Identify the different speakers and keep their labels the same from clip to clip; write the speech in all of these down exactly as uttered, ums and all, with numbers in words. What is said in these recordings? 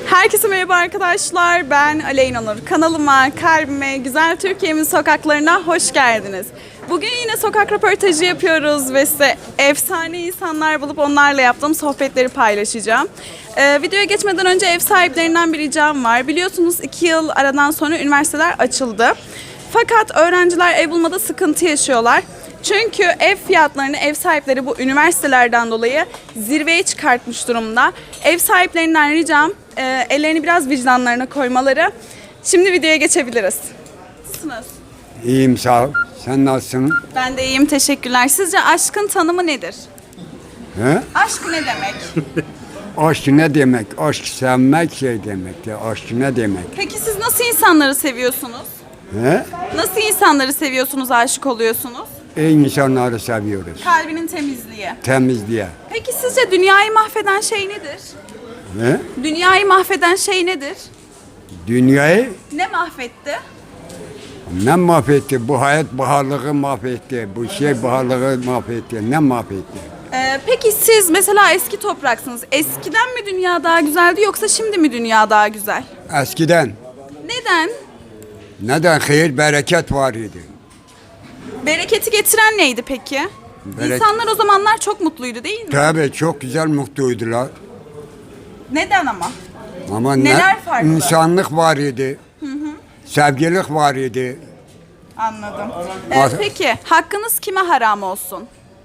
Speaker 1: Herkese merhaba arkadaşlar. Ben Aleyna Nur. Kanalıma, kalbime, güzel Türkiye'min sokaklarına hoş geldiniz. Bugün yine sokak röportajı yapıyoruz ve size efsane insanlar bulup onlarla yaptığım sohbetleri paylaşacağım. Ee, videoya geçmeden önce ev sahiplerinden bir ricam var. Biliyorsunuz iki yıl aradan sonra üniversiteler açıldı. Fakat öğrenciler ev bulmada sıkıntı yaşıyorlar. Çünkü ev fiyatlarını ev sahipleri bu üniversitelerden dolayı zirveye çıkartmış durumda. Ev sahiplerinden ricam e, ellerini biraz vicdanlarına koymaları. Şimdi videoya geçebiliriz. Nasılsınız?
Speaker 2: İyiyim, sağ ol. Sen nasılsın?
Speaker 1: Ben de iyiyim, teşekkürler. Sizce aşkın tanımı nedir?
Speaker 2: He?
Speaker 1: Aşk ne demek?
Speaker 2: Aşk ne demek? Aşk sevmek şey demek. Ya. Aşk ne demek?
Speaker 1: Peki siz nasıl insanları seviyorsunuz?
Speaker 2: He?
Speaker 1: Nasıl insanları seviyorsunuz, aşık oluyorsunuz?
Speaker 2: İyi insanları seviyoruz.
Speaker 1: Kalbinin temizliği.
Speaker 2: Temizliğe.
Speaker 1: Peki sizce dünyayı mahveden şey nedir?
Speaker 2: He?
Speaker 1: Dünyayı mahveden şey nedir?
Speaker 2: Dünyayı
Speaker 1: Ne mahvetti?
Speaker 2: ne mahvetti? Bu hayat baharlığı mahvetti. Bu şey baharlığı mahvetti. Ne mahvetti?
Speaker 1: Ee, peki siz mesela eski topraksınız. Eskiden mi dünya daha güzeldi yoksa şimdi mi dünya daha güzel?
Speaker 2: Eskiden
Speaker 1: Neden?
Speaker 2: neden hayır bereket var idi?
Speaker 1: Bereketi getiren neydi peki?
Speaker 2: Berek-
Speaker 1: İnsanlar o zamanlar çok mutluydu değil mi?
Speaker 2: Tabii çok güzel mutluydular.
Speaker 1: Neden ama?
Speaker 2: Ama
Speaker 1: Neler
Speaker 2: ne?
Speaker 1: farklı?
Speaker 2: İnsanlık var idi. Hı hı. Sevgilik var idi.
Speaker 1: Anladım. Ee,
Speaker 2: Mas-
Speaker 1: peki hakkınız kime haram olsun?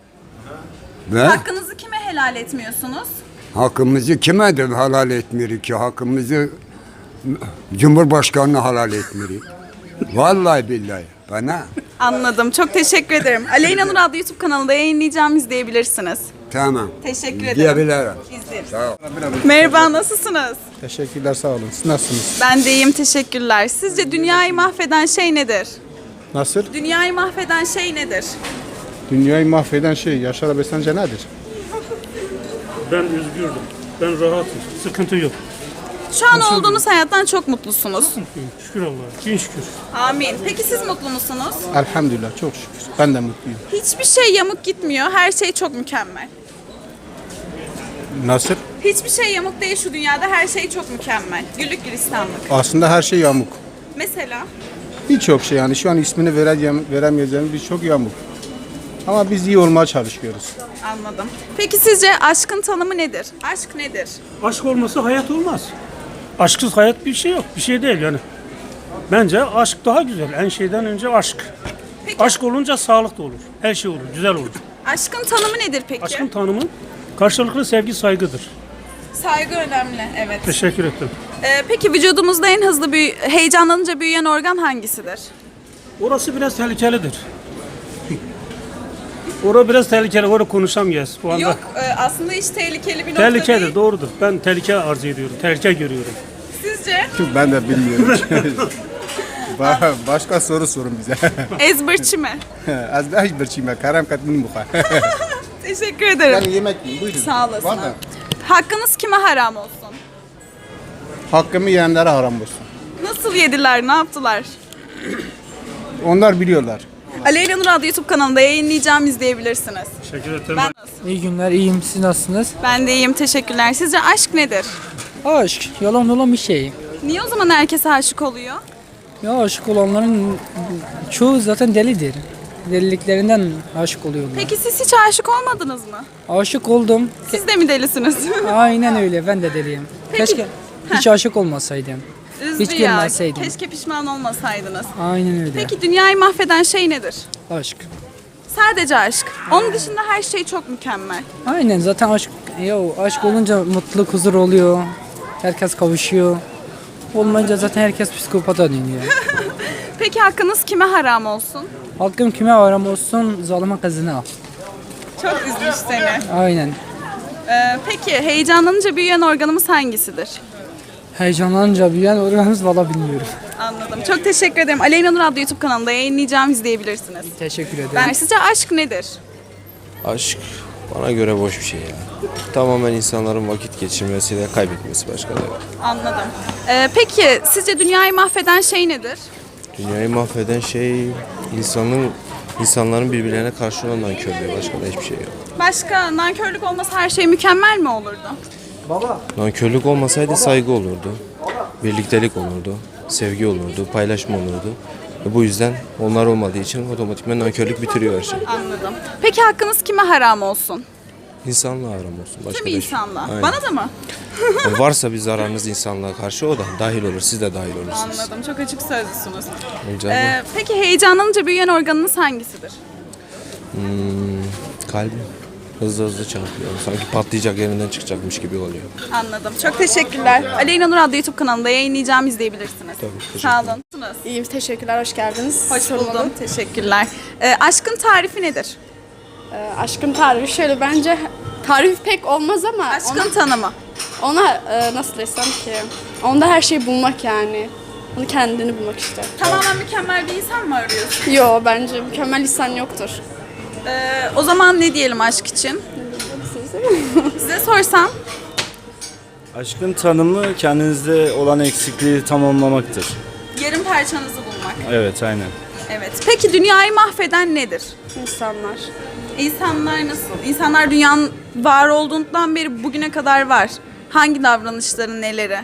Speaker 2: Ve
Speaker 1: Hakkınızı kime helal etmiyorsunuz?
Speaker 2: hakkımızı kime de halal etmiyor ki? Hakkımızı Cumhurbaşkanı'na halal etmiyor. Vallahi billahi bana.
Speaker 1: Anladım. Çok teşekkür ederim. Aleyna Nur adlı YouTube kanalında yayınlayacağım, izleyebilirsiniz.
Speaker 2: Tamam.
Speaker 1: Teşekkür ederim.
Speaker 2: Diyebilirim.
Speaker 1: İzlerim.
Speaker 2: Sağ ol.
Speaker 1: Merhaba, nasılsınız?
Speaker 3: Teşekkürler, sağ olun. Siz nasılsınız?
Speaker 1: Ben de iyiyim, teşekkürler. Sizce dünyayı mahveden şey nedir?
Speaker 3: Nasıl?
Speaker 1: Dünyayı mahveden şey nedir?
Speaker 3: Dünyayı mahveden şey, Yaşar abi sence nedir?
Speaker 4: Ben özgürdüm. Ben rahatım. Sıkıntı yok.
Speaker 1: Şu an olduğunuz hayattan çok mutlusunuz.
Speaker 4: Şükür Allah'a. Bin şükür.
Speaker 1: Amin. Peki siz mutlu musunuz?
Speaker 3: Elhamdülillah, çok şükür. Ben de mutluyum.
Speaker 1: Hiçbir şey yamuk gitmiyor. Her şey çok mükemmel.
Speaker 3: Nasıl?
Speaker 1: Hiçbir şey yamuk değil şu dünyada. Her şey çok mükemmel. Güllük gülistanlık.
Speaker 3: Aslında her şey yamuk.
Speaker 1: Mesela?
Speaker 3: Birçok şey yani şu an ismini vereceğim, veremeyeceğim birçok yamuk. Ama biz iyi olmaya çalışıyoruz.
Speaker 1: Anladım. Peki sizce aşkın tanımı nedir? Aşk nedir?
Speaker 4: Aşk olmasa hayat olmaz. Aşksız hayat bir şey yok. Bir şey değil yani. Bence aşk daha güzel. En şeyden önce aşk.
Speaker 1: Peki
Speaker 4: Aşk olunca sağlık da olur. Her şey olur. Güzel olur.
Speaker 1: aşkın tanımı nedir peki?
Speaker 4: Aşkın tanımı karşılıklı sevgi, saygıdır.
Speaker 1: Saygı önemli, evet.
Speaker 4: Teşekkür ettim.
Speaker 1: Ee, peki vücudumuzda en hızlı büyü heyecanlanınca büyüyen organ hangisidir?
Speaker 4: Orası biraz tehlikelidir. Orası biraz tehlikeli. Orada konuşamayız bu anda.
Speaker 1: Yok, e, aslında hiç tehlikeli bir nokta
Speaker 4: Tehlikelidir,
Speaker 1: değil.
Speaker 4: doğrudur. Ben tehlike arz ediyorum. Tehlike görüyorum.
Speaker 1: Sizce?
Speaker 3: Ben de bilmiyorum. Ba- Başka soru sorun bize.
Speaker 1: Ezberçi mi?
Speaker 3: Az da hiç bir şey mi? Karam katmin buka.
Speaker 1: Teşekkür ederim.
Speaker 3: Ben yemek yiyeyim, buyurun.
Speaker 1: Sağ olasın.
Speaker 3: Var da,
Speaker 1: Hakkınız kime haram olsun?
Speaker 3: hakkımı yiyenlere haram olsun.
Speaker 1: Nasıl yediler, ne yaptılar?
Speaker 3: Onlar biliyorlar.
Speaker 1: Aleyna Nur adlı YouTube kanalında yayınlayacağım, izleyebilirsiniz.
Speaker 4: Teşekkür ederim.
Speaker 1: Ben nasıl?
Speaker 5: İyi günler, iyiyim. Siz nasılsınız?
Speaker 1: Ben de iyiyim, teşekkürler. Sizce aşk nedir?
Speaker 5: Aşk, yalan olan bir şey.
Speaker 1: Niye o zaman herkes aşık oluyor?
Speaker 5: Ya aşık olanların çoğu zaten delidir. Deliliklerinden aşık oluyorlar.
Speaker 1: Peki siz hiç aşık olmadınız mı?
Speaker 5: Aşık oldum.
Speaker 1: Siz de mi delisiniz?
Speaker 5: Aynen öyle, ben de deliyim.
Speaker 1: Peki.
Speaker 5: Keşke hiç aşık olmasaydım.
Speaker 1: Üzdü
Speaker 5: Hiç
Speaker 1: ya.
Speaker 5: görmezseydim.
Speaker 1: Keşke pişman olmasaydınız.
Speaker 5: Aynen öyle.
Speaker 1: Peki dünyayı mahveden şey nedir?
Speaker 5: Aşk.
Speaker 1: Sadece aşk. Onun dışında her şey çok mükemmel.
Speaker 5: Aynen zaten aşk, ya aşk olunca mutluluk, huzur oluyor. Herkes kavuşuyor. Olmayınca zaten herkes psikopata dönüyor.
Speaker 1: Peki hakkınız kime haram olsun?
Speaker 5: Hakkım kime haram olsun, zalime kızına.
Speaker 1: Çok üzmüş seni.
Speaker 5: Aynen.
Speaker 1: Ee, peki heyecanlanınca büyüyen organımız hangisidir?
Speaker 5: Heyecanlanınca büyüyen organımız valla bilmiyorum.
Speaker 1: Anladım. Çok teşekkür ederim. Aleyna Nur adlı YouTube kanalında yayınlayacağım, izleyebilirsiniz.
Speaker 5: Teşekkür ederim.
Speaker 1: Ben sizce aşk nedir?
Speaker 6: Aşk bana göre boş bir şey ya. Tamamen insanların vakit geçirmesi ve kaybetmesi başka da yok.
Speaker 1: Anladım. Ee, peki sizce dünyayı mahveden şey nedir?
Speaker 6: Dünyayı mahveden şey insanın insanların birbirlerine karşı olan nankörlüğü, başka da hiçbir şey yok.
Speaker 1: Başka nankörlük olmasa her şey mükemmel mi olurdu?
Speaker 6: Nankörlük olmasaydı saygı olurdu. Birliktelik olurdu. Sevgi olurdu. Paylaşma olurdu. Ve bu yüzden onlar olmadığı için otomatikman nankörlük bitiriyor her şeyi.
Speaker 1: Anladım. Peki hakkınız kime haram olsun?
Speaker 6: İnsanlığa haram olsun. Başka
Speaker 1: Tüm
Speaker 6: da şey-
Speaker 1: insanlığa.
Speaker 6: Aynen.
Speaker 1: Bana da mı?
Speaker 6: Yani varsa bir zararınız insanlığa karşı o da dahil olur. Siz de dahil olursunuz.
Speaker 1: Anladım. Çok açık sözlüsünüz.
Speaker 6: Olacağı bu.
Speaker 1: Ee, peki heyecanlanınca büyüyen organınız hangisidir?
Speaker 6: Hmm, kalbim hızlı hızlı çarpıyor. Sanki patlayacak, yerinden çıkacakmış gibi oluyor.
Speaker 1: Anladım. Çok teşekkürler. Aleyna Nur adlı YouTube kanalında yayınlayacağım, izleyebilirsiniz.
Speaker 6: Tabii,
Speaker 1: Sağ olun. Nasılsınız?
Speaker 7: İyiyim, teşekkürler, hoş geldiniz.
Speaker 1: Hoş
Speaker 7: Sormalı.
Speaker 1: buldum. Teşekkürler. Ee, aşkın tarifi nedir?
Speaker 7: Ee, aşkın tarifi şöyle, bence tarif pek olmaz ama
Speaker 1: Aşkın
Speaker 7: ona,
Speaker 1: tanımı.
Speaker 7: ona e, nasıl desem ki, onda her şeyi bulmak yani. Onu kendini bulmak işte.
Speaker 1: Tamamen mükemmel bir insan mı arıyorsun?
Speaker 7: Yo, bence mükemmel insan yoktur.
Speaker 1: Ee, o zaman ne diyelim aşk için? Size sorsam.
Speaker 8: Aşkın tanımı kendinizde olan eksikliği tamamlamaktır.
Speaker 1: Yarım parçanızı bulmak.
Speaker 8: Evet, aynen.
Speaker 1: Evet. Peki dünyayı mahveden nedir?
Speaker 7: İnsanlar.
Speaker 1: İnsanlar nasıl? İnsanlar dünyanın var olduğundan beri bugüne kadar var. Hangi davranışları, neleri?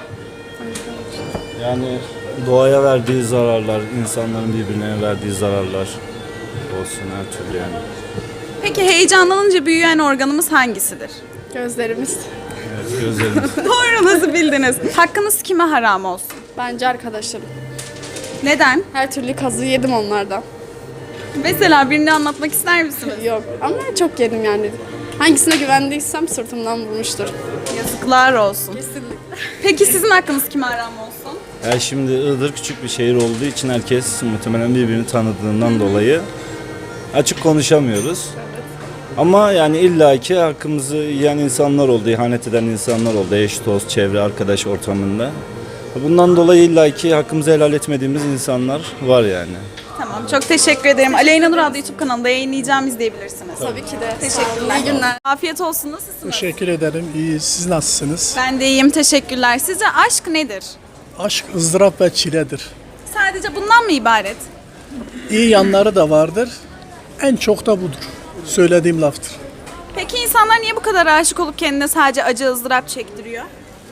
Speaker 8: Yani doğaya verdiği zararlar, insanların birbirine verdiği zararlar olsun her türlü yani.
Speaker 1: Peki heyecanlanınca büyüyen organımız hangisidir?
Speaker 7: Gözlerimiz.
Speaker 8: Evet, gözlerimiz.
Speaker 1: Doğru, nasıl bildiniz? Hakkınız kime haram olsun?
Speaker 7: Bence arkadaşlarım.
Speaker 1: Neden?
Speaker 7: Her türlü kazığı yedim onlardan.
Speaker 1: Mesela birini anlatmak ister misiniz?
Speaker 7: Yok ama çok yedim yani. Hangisine güvendiysem sırtımdan vurmuştur.
Speaker 1: Yazıklar olsun.
Speaker 7: Kesinlikle.
Speaker 1: Peki sizin hakkınız kime haram olsun?
Speaker 8: Ya şimdi Iğdır küçük bir şehir olduğu için herkes muhtemelen birbirini tanıdığından dolayı açık konuşamıyoruz. Ama yani illaki hakkımızı yiyen insanlar oldu, ihanet eden insanlar oldu. Eş, dost, çevre, arkadaş ortamında. Bundan dolayı illaki hakkımızı helal etmediğimiz insanlar var yani.
Speaker 1: Tamam, çok teşekkür ederim. Aleyna Nur adlı YouTube kanalında yayınlayacağım, izleyebilirsiniz.
Speaker 7: Tabii ki de.
Speaker 1: Teşekkürler.
Speaker 7: İyi günler.
Speaker 1: Afiyet olsun, nasılsınız?
Speaker 9: Teşekkür ederim. İyi. Siz nasılsınız?
Speaker 1: Ben de iyiyim, teşekkürler. Sizce aşk nedir?
Speaker 9: Aşk ızdırap ve çiledir.
Speaker 1: Sadece bundan mı ibaret?
Speaker 9: İyi yanları da vardır. En çok da budur. Söylediğim laftır.
Speaker 1: Peki insanlar niye bu kadar aşık olup kendine sadece acı ızdırap çektiriyor?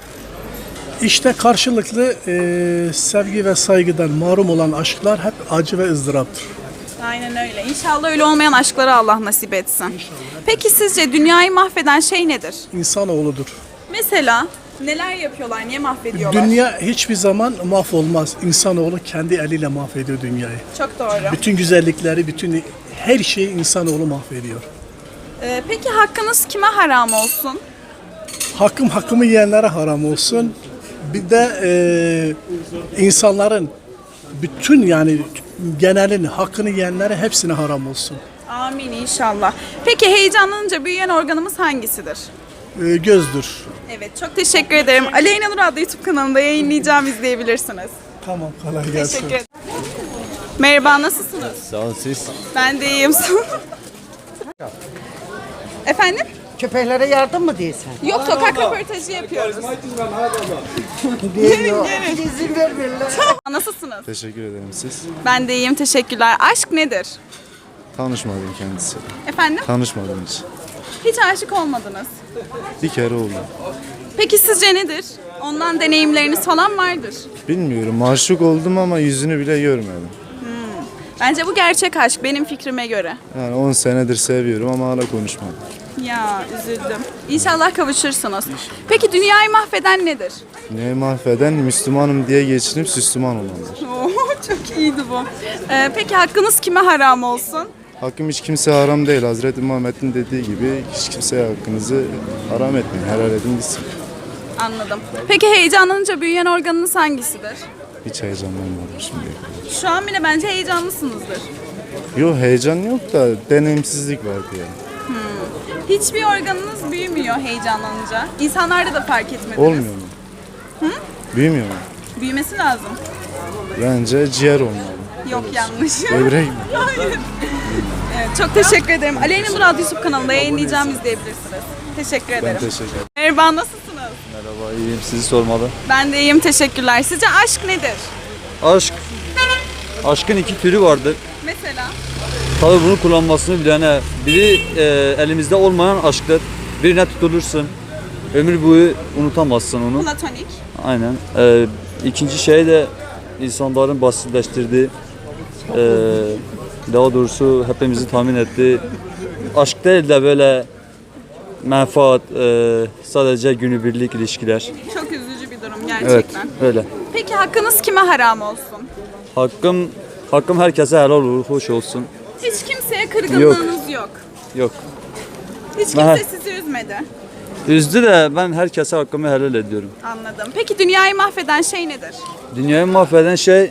Speaker 9: İşte karşılıklı e, sevgi ve saygıdan mahrum olan aşklar hep acı ve ızdıraptır.
Speaker 1: Aynen öyle. İnşallah öyle olmayan aşkları Allah nasip etsin. Peki sizce dünyayı mahveden şey nedir?
Speaker 9: İnsanoğludur.
Speaker 1: Mesela neler yapıyorlar, niye mahvediyorlar?
Speaker 9: Dünya hiçbir zaman mahvolmaz. İnsanoğlu kendi eliyle mahvediyor dünyayı.
Speaker 1: Çok doğru.
Speaker 9: Bütün güzellikleri, bütün her şeyi insanoğlu mahvediyor.
Speaker 1: Ee, peki hakkınız kime haram olsun?
Speaker 9: Hakkım hakkımı yiyenlere haram olsun. Bir de e, insanların bütün yani genelin hakkını yiyenlere hepsine haram olsun.
Speaker 1: Amin inşallah. Peki heyecanlanınca büyüyen organımız hangisidir?
Speaker 9: E, gözdür.
Speaker 1: Evet, çok teşekkür ederim. Aleyna Nur adlı YouTube kanalında yayınlayacağım, izleyebilirsiniz.
Speaker 9: Tamam, kolay gelsin.
Speaker 1: Teşekkür ederim. Merhaba, nasılsınız?
Speaker 8: Sağ olun siz.
Speaker 1: Ben de iyiyim. Efendim?
Speaker 10: Köpeklere yardım mı diyorsun?
Speaker 1: Yok, sokak röportajı yapıyoruz.
Speaker 10: Diyor.
Speaker 1: gelin.
Speaker 10: İzin vermiyorlar.
Speaker 6: Nasılsınız? Teşekkür ederim siz.
Speaker 1: Ben de iyiyim, teşekkürler. Aşk nedir?
Speaker 6: Tanışmadım kendisiyle.
Speaker 1: Efendim?
Speaker 6: Tanışmadım hiç.
Speaker 1: Hiç aşık olmadınız.
Speaker 6: Bir kere oldu.
Speaker 1: Peki sizce nedir? Ondan deneyimleriniz falan vardır.
Speaker 6: Bilmiyorum, aşık oldum ama yüzünü bile görmedim.
Speaker 1: Bence bu gerçek aşk benim fikrime göre.
Speaker 6: Yani on senedir seviyorum ama hala konuşmadım.
Speaker 1: Ya üzüldüm. İnşallah kavuşursunuz. Peki dünyayı mahveden nedir?
Speaker 6: Ne mahveden Müslümanım diye geçinip Müslüman olanlar.
Speaker 1: Oo, çok iyiydi bu. Ee, peki hakkınız kime haram olsun?
Speaker 6: Hakkım hiç kimse haram değil. Hazreti Muhammed'in dediği gibi hiç kimseye hakkınızı haram etmeyin. Helal edin gitsin.
Speaker 1: Anladım. Peki heyecanlanınca büyüyen organınız hangisidir?
Speaker 6: Hiç heyecanlanmadım şimdi.
Speaker 1: Şu an bile bence heyecanlısınızdır.
Speaker 6: Yok heyecan yok da deneyimsizlik vardı yani.
Speaker 1: Hiçbir organınız büyümüyor heyecanlanınca. İnsanlarda da fark etmediniz.
Speaker 6: Olmuyor mu? Hı? Büyümüyor mu?
Speaker 1: Büyümesi lazım.
Speaker 6: Bence ciğer olmalı.
Speaker 1: Yok, yanlış.
Speaker 6: Böbrek mi?
Speaker 1: Hayır. Evet, çok teşekkür ederim. Aleyna Nur adlı YouTube kanalında yayınlayacağım, izleyebilirsiniz. Teşekkür ederim.
Speaker 6: Ben teşekkür ederim.
Speaker 1: Merhaba, nasılsınız?
Speaker 8: Merhaba, iyiyim. Sizi sormalı.
Speaker 1: Ben de iyiyim, teşekkürler. Sizce aşk nedir?
Speaker 11: Aşk. Aşkın iki türü vardır.
Speaker 1: Mesela?
Speaker 11: Tabii bunu kullanmasını bilene. Biri e, elimizde olmayan aşktır. Birine tutulursun. Ömür boyu unutamazsın onu.
Speaker 1: Platonik.
Speaker 11: Aynen. Ee, ikinci şey de insanların basitleştirdiği, ee, daha doğrusu hepimizi tahmin ettiği aşk değil de böyle menfaat, ee, sadece günübirlik ilişkiler.
Speaker 1: Çok üzücü bir durum
Speaker 11: Evet,
Speaker 1: gerçekten.
Speaker 11: öyle.
Speaker 1: Peki hakkınız kime haram olsun?
Speaker 11: Hakkım, hakkım herkese helal olur, hoş olsun.
Speaker 1: Hiç kimseye kırgınlığınız yok.
Speaker 11: Yok.
Speaker 1: Hiç kimse
Speaker 11: Ben-
Speaker 1: sizi üzmedi.
Speaker 11: Üzdü de ben herkese hakkımı helal ediyorum.
Speaker 1: Anladım. Peki dünyayı mahveden şey nedir?
Speaker 11: Dünyayı mahveden şey,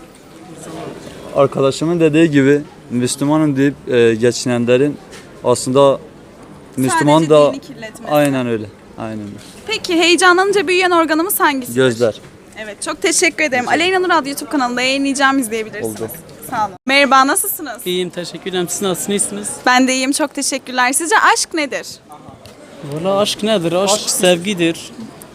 Speaker 11: arkadaşımın dediği gibi, Müslümanım deyip e, geçinenlerin aslında Müslüman
Speaker 1: Sadece
Speaker 11: da
Speaker 1: dini kirletmesi.
Speaker 11: aynen öyle. Aynen öyle.
Speaker 1: Peki heyecanlanınca büyüyen organımız hangisidir?
Speaker 11: Gözler.
Speaker 1: Evet, çok teşekkür ederim. Aleyna Nur adlı YouTube kanalında yayınlayacağım, izleyebilirsiniz.
Speaker 11: Oldu.
Speaker 1: Sağ olun. Merhaba, nasılsınız?
Speaker 5: İyiyim, teşekkür ederim. Siz nasılsınız? İyisiniz?
Speaker 1: Ben de iyiyim, çok teşekkürler. Sizce aşk nedir?
Speaker 5: Valla aşk nedir? Aşk, sevgidir.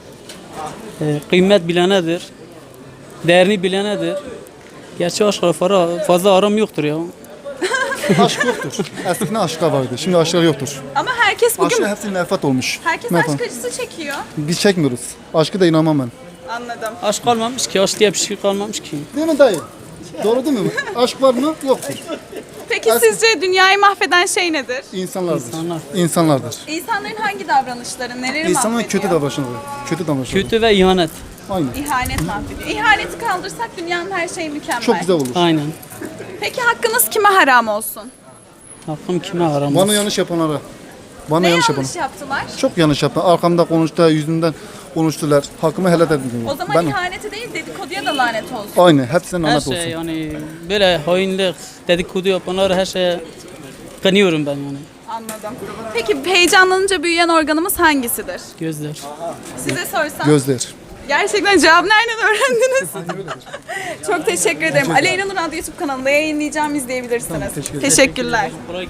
Speaker 5: Ee, kıymet bilenedir. Değerini bilenedir. Gerçi aşkla fara- fazla aram yoktur ya.
Speaker 3: Aşk yoktur. Eskiden aşklar vardı. Şimdi aşklar yoktur.
Speaker 1: Ama herkes bugün...
Speaker 3: Aşkın hepsi menfaat olmuş.
Speaker 1: Herkes
Speaker 3: Menfaat.
Speaker 1: aşk acısı çekiyor.
Speaker 3: Biz çekmiyoruz. Aşkı da inanmam ben.
Speaker 1: Anladım.
Speaker 5: Aşk kalmamış ki, aşk diye bir şey kalmamış ki.
Speaker 3: Değil mi dayı? Doğru değil mi? Aşk var mı? Yoktur.
Speaker 1: Peki sizce dünyayı mahveden şey nedir?
Speaker 3: İnsanlardır.
Speaker 5: İnsanlar.
Speaker 3: İnsanlardır.
Speaker 1: İnsanların hangi davranışları, neleri
Speaker 3: İnsanların
Speaker 1: mahvediyor?
Speaker 3: kötü davranışları. Kötü davranışları.
Speaker 5: Kötü ve ihanet.
Speaker 3: Aynen.
Speaker 1: İhanet mahvediyor. İhaneti kaldırsak dünyanın her şeyi mükemmel.
Speaker 3: Çok güzel olur.
Speaker 5: Aynen.
Speaker 1: Peki hakkınız kime haram olsun?
Speaker 5: Hakkım kime haram
Speaker 3: Bana
Speaker 5: olsun?
Speaker 3: yanlış yapanlara. Bana
Speaker 1: Ne
Speaker 3: yanlış
Speaker 1: yanlış,
Speaker 3: yapan.
Speaker 1: yaptılar?
Speaker 3: Çok yanlış yapan. Arkamda konuştu, yüzümden konuştular. Hakkımı helal edin.
Speaker 1: O zaman
Speaker 3: Ben,
Speaker 1: ihanete değil dedikoduya da lanet olsun.
Speaker 3: aynı. Hepsine
Speaker 5: Her
Speaker 3: lanet
Speaker 5: şey
Speaker 3: olsun.
Speaker 5: yani böyle hainlik, dedikodu yapanlar her şeye kınıyorum ben yani.
Speaker 1: Anladım. Peki heyecanlanınca büyüyen organımız hangisidir?
Speaker 5: Gözler.
Speaker 1: Size sorsam.
Speaker 3: Gözler.
Speaker 1: Gerçekten cevabı nereden öğrendiniz? Çok teşekkür ederim. Aleyna Nur adlı YouTube kanalında yayınlayacağım, izleyebilirsiniz. Teşekkürler.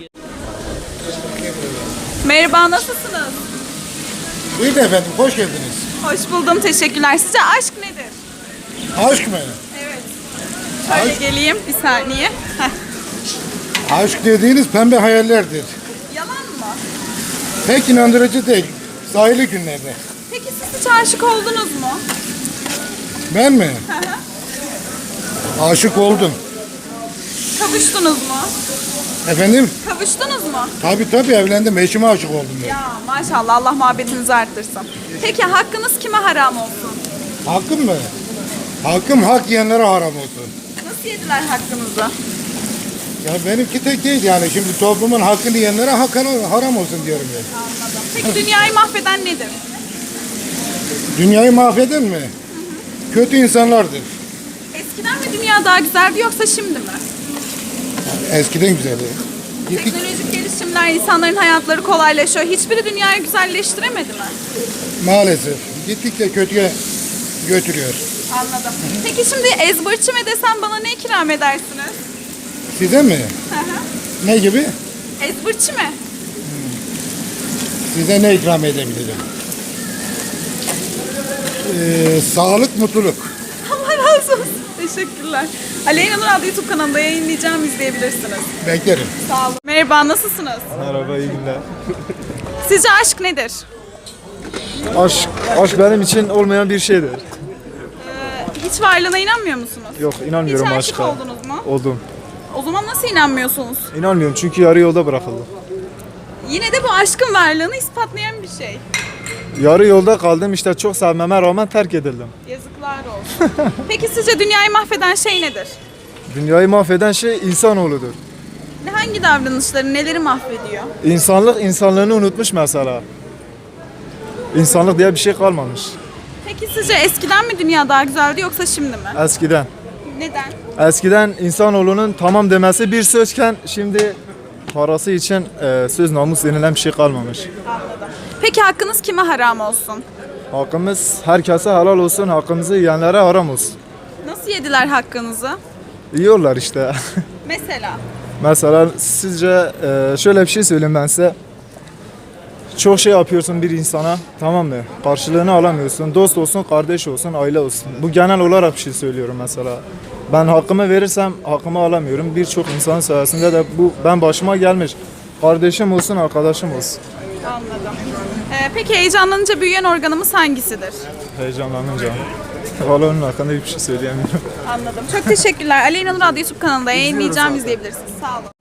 Speaker 1: Merhaba, nasılsınız?
Speaker 9: Buyurun efendim, hoş geldiniz.
Speaker 1: Hoş buldum, teşekkürler. Sizce aşk nedir?
Speaker 9: Aşk mı?
Speaker 1: Evet. Şöyle geleyim bir saniye. Heh.
Speaker 9: Aşk dediğiniz pembe hayallerdir.
Speaker 1: Yalan mı?
Speaker 9: Pek inandırıcı değil. Sahili günlerde.
Speaker 1: Peki siz hiç aşık oldunuz mu?
Speaker 9: Ben mi? Aşık oldum.
Speaker 1: Kavuştunuz mu?
Speaker 9: Efendim?
Speaker 1: Kavuştunuz mu?
Speaker 9: Tabii tabii evlendim. Eşime aşık oldum ben.
Speaker 1: Ya maşallah, Allah muhabbetinizi arttırsın. Peki hakkınız kime haram olsun?
Speaker 9: Hakkım mı? Hakkım hak yiyenlere haram olsun.
Speaker 1: Nasıl yediler hakkınızı?
Speaker 9: Ya benimki tek değil yani. Şimdi toplumun hakkını yiyenlere hak haram olsun diyorum ya.
Speaker 1: Anladım. Peki dünyayı mahveden nedir?
Speaker 9: Dünyayı mahveden mi? Kötü insanlardır.
Speaker 1: Eskiden mi dünya daha güzeldi yoksa şimdi mi?
Speaker 9: Eskiden güzeldi. Gittik.
Speaker 1: Teknolojik gelişimler, insanların hayatları kolaylaşıyor. Hiçbiri dünyayı güzelleştiremedi mi?
Speaker 9: Maalesef. Gittikçe kötüye götürüyor.
Speaker 1: Anladım. Peki şimdi ezbırçı mı desem bana ne ikram edersiniz?
Speaker 9: Size mi?
Speaker 1: Hı hı.
Speaker 9: Ne gibi?
Speaker 1: Ezbırçı mı?
Speaker 9: Size ne ikram edebilirim? Ee, sağlık, mutluluk.
Speaker 1: Allah razı olsun. Teşekkürler. Aleyna Nur adlı YouTube kanalında yayınlayacağım, izleyebilirsiniz.
Speaker 9: Beklerim.
Speaker 1: Sağ olun. Merhaba, nasılsınız?
Speaker 3: Merhaba, iyi günler.
Speaker 1: Sizce aşk nedir?
Speaker 3: Aşk, aşk benim için olmayan bir şeydir.
Speaker 1: Hiç varlığına inanmıyor musunuz?
Speaker 3: Yok,
Speaker 1: Hiç
Speaker 3: inanmıyorum
Speaker 1: aşık
Speaker 3: aşka.
Speaker 1: oldunuz mu?
Speaker 3: Oldum.
Speaker 1: O zaman nasıl inanmıyorsunuz?
Speaker 3: İnanmıyorum çünkü yarı yolda bırakıldım.
Speaker 1: Yine de bu aşkın varlığını ispatlayan bir şey.
Speaker 3: Yarı yolda kaldım işte çok sevmeme rağmen terk edildim.
Speaker 1: Yazıklar olsun. Peki sizce dünyayı mahveden şey nedir?
Speaker 3: Dünyayı mahveden şey insanoğludur.
Speaker 1: Ne- Hangi davranışları, neleri mahvediyor?
Speaker 3: İnsanlık insanlığını unutmuş mesela. İnsanlık diye bir şey kalmamış.
Speaker 1: Peki sizce eskiden mi dünya daha güzeldi yoksa şimdi mi?
Speaker 3: Eskiden.
Speaker 1: Neden?
Speaker 3: Eskiden insanoğlunun tamam demesi bir sözken şimdi parası için e, söz namus denilen bir şey kalmamış.
Speaker 1: Anladım. Peki hakkınız kime haram olsun?
Speaker 3: Hakkımız herkese helal olsun, hakkımızı yiyenlere haram olsun.
Speaker 1: Nasıl yediler hakkınızı?
Speaker 3: Yiyorlar işte.
Speaker 1: Mesela?
Speaker 3: Mesela sizce e, şöyle bir şey söyleyeyim ben size. Çok şey yapıyorsun bir insana, tamam mı? Karşılığını alamıyorsun. Dost olsun, kardeş olsun, aile olsun. Bu genel olarak bir şey söylüyorum mesela. Ben hakkımı verirsem hakkımı alamıyorum. Birçok insan sayesinde de bu ben başıma gelmiş. Kardeşim olsun, arkadaşım olsun.
Speaker 1: Anladım. Ee, peki heyecanlanınca büyüyen organımız hangisidir?
Speaker 3: Heyecanlanınca. Valla onun hakkında hiçbir şey söyleyemiyorum.
Speaker 1: Anladım. Çok teşekkürler. Aleyna Nur adlı YouTube kanalında yayınlayacağım, izleyebilirsiniz. Sağ olun.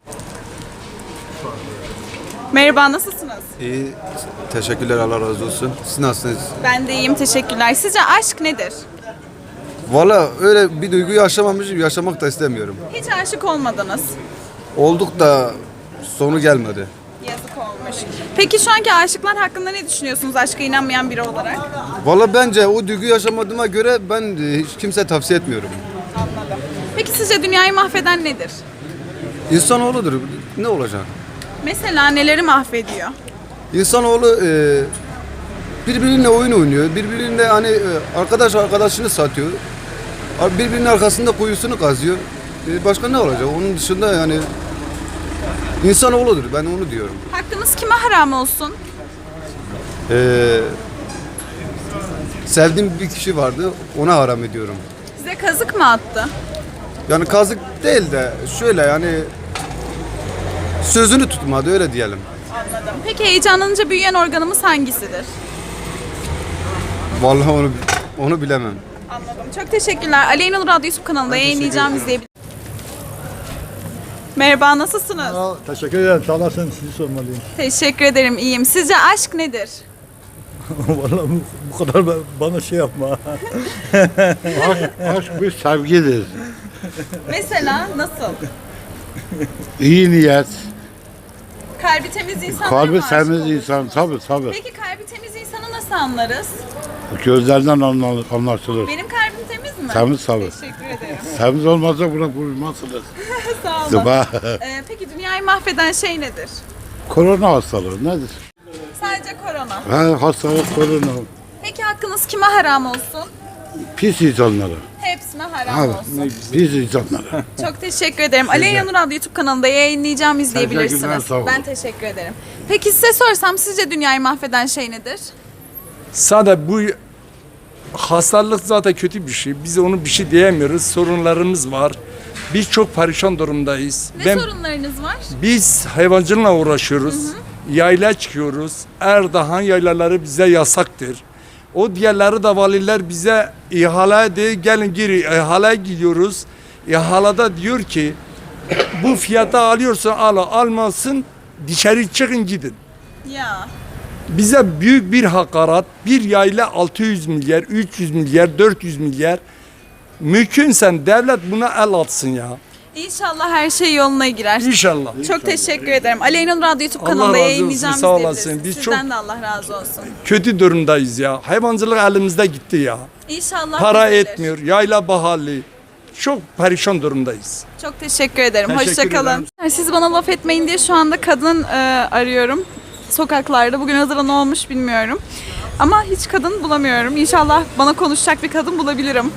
Speaker 1: Merhaba, nasılsınız?
Speaker 12: İyi, teşekkürler, Allah razı olsun. Siz nasılsınız?
Speaker 1: Ben de iyiyim, teşekkürler. Sizce aşk nedir?
Speaker 12: Valla öyle bir duygu yaşamamışım, yaşamak da istemiyorum.
Speaker 1: Hiç aşık olmadınız.
Speaker 12: Olduk da sonu gelmedi.
Speaker 1: Yazık olmuş. Peki şu anki aşıklar hakkında ne düşünüyorsunuz aşka inanmayan biri olarak?
Speaker 12: Valla bence o duygu yaşamadığıma göre ben e, hiç kimse tavsiye etmiyorum.
Speaker 1: Anladım. Peki sizce dünyayı mahveden nedir?
Speaker 12: İnsanoğludur, ne olacak?
Speaker 1: Mesela neleri mahvediyor?
Speaker 12: İnsanoğlu e, birbiriyle oyun oynuyor, birbiriyle hani e, arkadaş arkadaşını satıyor. Birbirinin arkasında kuyusunu kazıyor. E, başka ne olacak? Onun dışında yani insanoğludur, ben onu diyorum.
Speaker 1: Hakkınız kime haram olsun?
Speaker 12: Ee, sevdiğim bir kişi vardı, ona haram ediyorum.
Speaker 1: Size kazık mı attı?
Speaker 12: Yani kazık değil de şöyle yani sözünü tutmadı, öyle diyelim.
Speaker 1: Anladım. Peki heyecanlanınca büyüyen organımız hangisidir?
Speaker 12: Vallahi onu onu bilemem.
Speaker 1: Anladım. Çok teşekkürler. Aleyna Nur adlı YouTube kanalında yayınlayacağım, izleyebilirsiniz. Merhaba, nasılsınız?
Speaker 13: Teşekkür ederim. Sağ olasın. Sizi sormalıyım.
Speaker 1: Teşekkür ederim, iyiyim. Sizce aşk nedir?
Speaker 13: Vallahi bu, bu kadar ba- bana şey yapma.
Speaker 2: Aşk, aşk bir sevgidir.
Speaker 1: Mesela nasıl?
Speaker 2: İyi niyet,
Speaker 1: Kalbi temiz insanlara
Speaker 2: kalbi
Speaker 1: mı aşık
Speaker 2: temiz
Speaker 1: olursunuz?
Speaker 2: insan, tabii tabii.
Speaker 1: Peki kalbi temiz insanı nasıl anlarız?
Speaker 2: Gözlerden anla- anlaşılır.
Speaker 1: Benim kalbim temiz mi?
Speaker 2: Temiz tabii.
Speaker 1: Teşekkür ederim.
Speaker 2: Temiz olmazsa buna vurmazsınız.
Speaker 1: Sağ olun.
Speaker 2: Zıba.
Speaker 1: Ee, peki dünyayı mahveden şey nedir?
Speaker 2: Korona hastalığı nedir?
Speaker 1: Sadece korona.
Speaker 2: Ha, hastalık korona.
Speaker 1: Peki hakkınız kime haram olsun?
Speaker 2: Pis insanlara.
Speaker 1: Hepsine haram
Speaker 2: Ha,
Speaker 1: olsun.
Speaker 2: pis insanlara.
Speaker 1: Çok teşekkür ederim. Aleyna Nur adlı YouTube kanalında yayınlayacağım,
Speaker 2: Teşekkürler,
Speaker 1: izleyebilirsiniz.
Speaker 2: sağ olun.
Speaker 1: Ben teşekkür ederim. Peki size sorsam sizce dünyayı mahveden şey nedir?
Speaker 14: Sadece bu hastalık zaten kötü bir şey. Biz onu bir şey diyemiyoruz. Sorunlarımız var. Biz çok perişan durumdayız.
Speaker 1: Ne sorunlarınız var?
Speaker 14: Biz hayvancılıkla uğraşıyoruz. Hı hı. Yayla çıkıyoruz. Erdoğan yaylaları bize yasaktır. O diğerleri de valiler bize ihale de gelin geri ihaleye gidiyoruz. İhalada diyor ki bu fiyata alıyorsan al, almasın dışarı çıkın gidin.
Speaker 1: Ya.
Speaker 14: Bize büyük bir hakaret, bir yayla altı yüz milyar, üç yüz milyar, dört yüz milyar. Mümkünse devlet buna el atsın ya.
Speaker 1: İnşallah her şey yoluna girer.
Speaker 14: İnşallah.
Speaker 1: Çok teşekkür ederim. Aleyna Nur adlı YouTube
Speaker 14: Allah
Speaker 1: kanalında
Speaker 14: razı olsun,
Speaker 1: yayınlayacağım,
Speaker 14: sağ olasın.
Speaker 1: izleyebilirsiniz.
Speaker 14: Biz
Speaker 1: Sizden
Speaker 14: çok-
Speaker 1: de Allah razı olsun.
Speaker 14: Kötü durumdayız ya. Hayvancılık elimizde gitti ya.
Speaker 1: İnşallah
Speaker 14: Para
Speaker 1: düzelir.
Speaker 14: etmiyor, yayla pahalı. Çok perişan durumdayız.
Speaker 1: Çok teşekkür ederim.
Speaker 14: Teşekkür
Speaker 1: Hoşçakalın. Siz bana laf etmeyin diye şu anda kadın e, arıyorum. Sokaklarda. Bugün Hazır'a ne olmuş bilmiyorum. Ama hiç kadın bulamıyorum. İnşallah bana konuşacak bir kadın bulabilirim.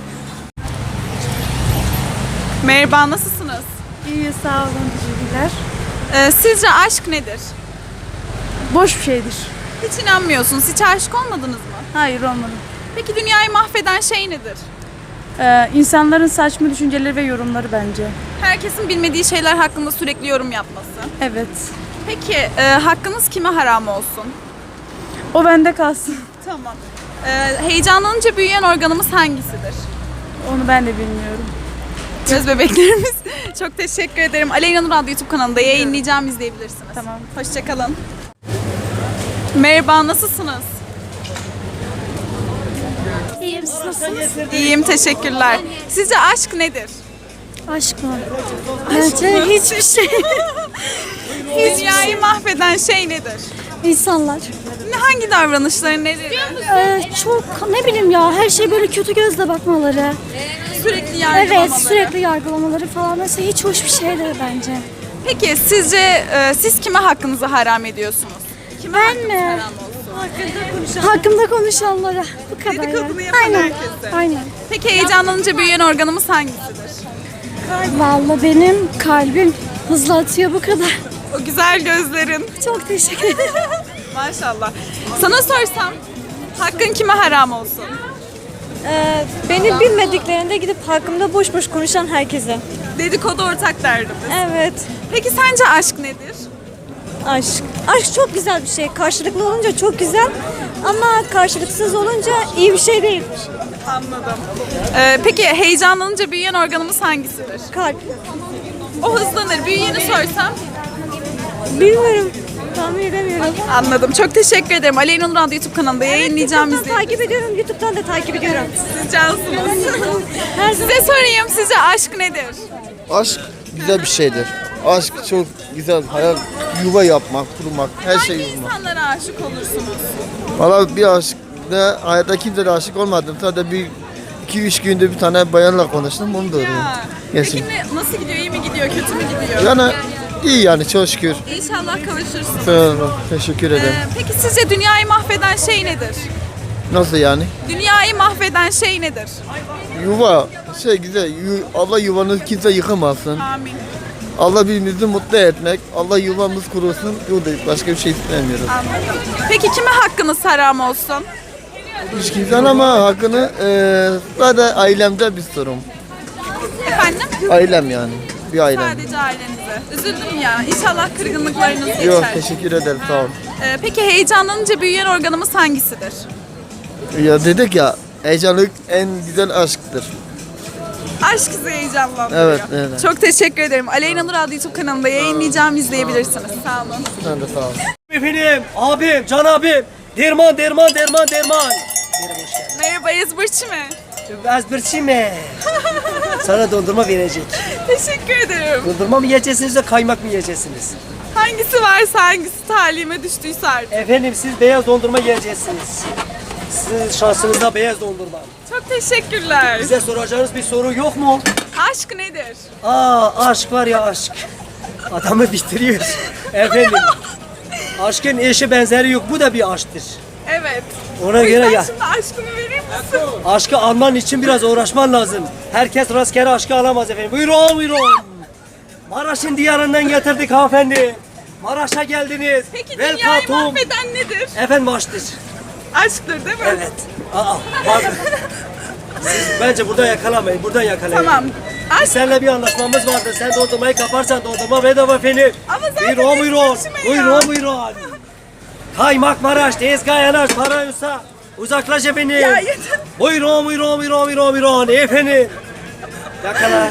Speaker 1: Merhaba, nasılsınız?
Speaker 15: İyi, sağ olun, teşekkürler.
Speaker 1: E, sizce aşk nedir?
Speaker 15: Boş bir şeydir.
Speaker 1: Hiç inanmıyorsunuz. Hiç aşık olmadınız mı?
Speaker 15: Hayır, olmadım.
Speaker 1: Peki dünyayı mahveden şey nedir?
Speaker 15: Ee, insanların saçma düşünceleri ve yorumları bence.
Speaker 1: Herkesin bilmediği şeyler hakkında sürekli yorum yapması.
Speaker 15: Evet.
Speaker 1: Peki e, hakkınız kime haram olsun?
Speaker 15: O bende kalsın.
Speaker 1: Tamam. E, heyecanlanınca büyüyen organımız hangisidir?
Speaker 15: Onu ben de bilmiyorum.
Speaker 1: Göz bebeklerimiz. Çok teşekkür ederim. Aleyna Nur adlı YouTube kanalında yayınlayacağım, izleyebilirsiniz.
Speaker 15: Tamam.
Speaker 1: Hoşçakalın. Merhaba, nasılsınız?
Speaker 15: İyiyim, siz nasılsınız?
Speaker 1: İyiyim, teşekkürler. Sizce aşk nedir?
Speaker 15: Aşk mı? Bence hiçbir şey.
Speaker 1: Dünyayı mahveden şey nedir?
Speaker 15: İnsanlar.
Speaker 1: Ne, hangi davranışları nedir?
Speaker 15: Ee, çok, ne bileyim ya, her şey böyle kötü gözle bakmaları.
Speaker 1: Sürekli yargılamaları.
Speaker 15: Evet, sürekli yargılamaları falan. Mesela hiç hoş bir şey değil bence.
Speaker 1: Peki sizce e, siz kime hakkınızı haram ediyorsunuz? Kime
Speaker 15: Ben
Speaker 1: hakkınız
Speaker 15: mi?
Speaker 1: haram olsun?
Speaker 15: Hakkımda konuşanlara. Bu kadar
Speaker 1: Dedikodunu
Speaker 15: ya.
Speaker 1: yapan
Speaker 15: Aynen.
Speaker 1: herkese.
Speaker 15: Aynen.
Speaker 1: Peki heyecanlanınca büyüyen organımız hangisidir?
Speaker 15: Vallahi benim kalbim hızlı atıyor, bu kadar.
Speaker 1: O güzel gözlerin.
Speaker 15: Çok teşekkür ederim.
Speaker 1: Maşallah. Sana sorsam hakkın kime haram olsun?
Speaker 15: Ee, beni bilmediklerinde gidip hakkımda boş boş konuşan herkese.
Speaker 1: Dedikodu ortak derdimiz.
Speaker 15: Evet.
Speaker 1: Peki sence aşk nedir?
Speaker 15: Aşk. Aşk çok güzel bir şey. Karşılıklı olunca çok güzel ama karşılıksız olunca iyi bir şey değil.
Speaker 1: Anladım. Ee, peki heyecanlanınca büyüyen organımız hangisidir?
Speaker 15: Kalp.
Speaker 1: O hızlanır. Büyüyeni sorsam?
Speaker 15: Bilmiyorum. Tahmin edemiyorum.
Speaker 1: Anladım. Çok teşekkür ederim. Aleyna Nur adlı YouTube kanalında yayınlayacağım
Speaker 15: YouTube'dan
Speaker 1: izleyin.
Speaker 15: takip ediyorum. YouTube'dan da takip ediyorum.
Speaker 1: Siz cansınız. Size sorayım. Sizce aşk nedir?
Speaker 16: Aşk güzel bir şeydir. Aşk çok güzel. Hayal, yuva yapmak, kurmak, her şey
Speaker 1: Hangi
Speaker 16: yapmak.
Speaker 1: insanlara aşık olursunuz?
Speaker 16: Valla bir aşk da hayatta kimse de aşık olmadım. Sadece bir iki üç günde bir tane bayanla konuştum. Bunu da öğrendim.
Speaker 1: Ya.
Speaker 16: Gerçi.
Speaker 1: Peki ne, nasıl gidiyor? İyi mi gidiyor? Kötü mü gidiyor?
Speaker 16: Yani iyi yani çok şükür.
Speaker 1: İnşallah kavuşursunuz.
Speaker 16: Sağ olun. Teşekkür ederim.
Speaker 1: Ee, peki sizce dünyayı mahveden şey nedir?
Speaker 16: Nasıl yani?
Speaker 1: Dünyayı mahveden şey nedir?
Speaker 16: Yuva şey güzel. Yu- Allah yuvanı kimse yıkamasın.
Speaker 1: Amin.
Speaker 16: Allah birbirimizi mutlu etmek. Allah yuvamız kurusun. Buradayız. Başka bir şey istemiyoruz.
Speaker 1: Anladım. Peki kime hakkınız haram olsun?
Speaker 16: Hiç kimsenin ama hakkını eee sadece ailemde bir sorun.
Speaker 1: Efendim?
Speaker 16: Ailem yani. Bir ailem.
Speaker 1: Sadece ailenize. Üzüldüm ya. İnşallah kırgınlıklarınız geçer.
Speaker 16: Yok teşekkür ederim sağ ol.
Speaker 1: Ee, peki heyecanlanınca büyüyen organımız hangisidir?
Speaker 16: Ya dedik ya heyecanlık en güzel aşktır.
Speaker 1: Aşk sizi heyecanlandırıyor.
Speaker 16: Evet, evet.
Speaker 1: Çok teşekkür ederim. Aleyna Nur adlı YouTube kanalında yayınlayacağım, izleyebilirsiniz. Sağ olun.
Speaker 16: Sen de sağ ol.
Speaker 17: Efendim, abim, can abim. Derman, derman, derman, derman.
Speaker 1: Merhaba, ezberçi mi?
Speaker 17: Ezberçi mi? Sana dondurma verecek.
Speaker 1: Teşekkür ederim.
Speaker 17: Dondurma mı yiyeceksiniz de kaymak mı yiyeceksiniz?
Speaker 1: Hangisi varsa hangisi talime düştüyse artık.
Speaker 17: Efendim siz beyaz dondurma yiyeceksiniz. Sizin şansınızda beyaz dondurma.
Speaker 1: Çok teşekkürler.
Speaker 17: Bize soracağınız bir soru yok mu?
Speaker 1: Aşk nedir?
Speaker 17: Aa aşk var ya aşk. Adamı bitiriyor. Efendim. Aşkın eşi benzeri yok. Bu da bir aşktır.
Speaker 1: Evet.
Speaker 17: Ona
Speaker 1: O yüzden
Speaker 17: göre ya.
Speaker 1: şimdi aşkımı verir misin?
Speaker 17: Aşkı alman için biraz uğraşman lazım. Herkes rastgele aşkı alamaz efendim. Buyurun buyurun. Maraş'ın diyarından getirdik hanımefendi. Maraş'a geldiniz.
Speaker 1: Peki
Speaker 17: Welcome
Speaker 1: dünyayı
Speaker 17: to-
Speaker 1: mahveden nedir?
Speaker 17: Efendim aşktır.
Speaker 1: Aşktır değil mi?
Speaker 17: Evet. Aa, pardon. Siz bence burada yakalamayın. Buradan yakalayın.
Speaker 1: Tamam. Aşk.
Speaker 17: Seninle bir anlaşmamız vardı. Sen dondurmayı kaparsan dondurma bedava efendim.
Speaker 1: Ama zaten
Speaker 17: Buyurun buyurun.
Speaker 1: ezberçi mi ya?
Speaker 17: Buyurun buyurun. Kaymak Maraş, tezgah yanar, para yoksa uzaklaş efendim.
Speaker 1: Ya yeter.
Speaker 17: Buyurun buyurun buyurun buyurun buyurun efendim. Yakala.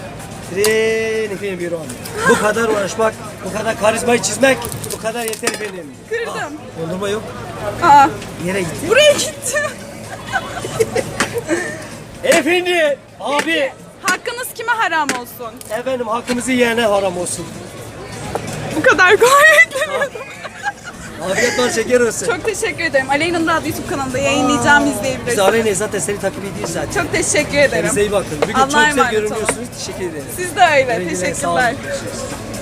Speaker 17: Tren efendim buyurun. Bu kadar uğraşmak, bu kadar karizmayı çizmek, bu kadar yeter efendim.
Speaker 1: Kırdım.
Speaker 17: Dondurma yok.
Speaker 1: Aa,
Speaker 17: Yere gitti.
Speaker 1: buraya gitti.
Speaker 17: Efendim, abi.
Speaker 1: Hakkınız kime haram olsun?
Speaker 17: Efendim hakkımızı yiyene haram olsun.
Speaker 1: Bu kadar kolay beklemiyordum.
Speaker 17: Afiyet bal şeker olsun.
Speaker 1: Çok teşekkür ederim. Aleyna Nur adlı YouTube kanalında yayınlayacağım,
Speaker 17: Biz
Speaker 1: izleyebilirsiniz.
Speaker 17: Aleyna zaten seni takip ediyoruz zaten.
Speaker 1: Çok teşekkür ederim.
Speaker 17: Kendinize iyi bakın. Bugün
Speaker 1: Allah'a
Speaker 17: çok güzel
Speaker 1: emanet olun.
Speaker 17: görünüyorsunuz. Teşekkür ederim.
Speaker 1: Siz de öyle.
Speaker 17: Güle güle, sağ olun.
Speaker 1: Teşekkürler.
Speaker 17: Görüşürüz.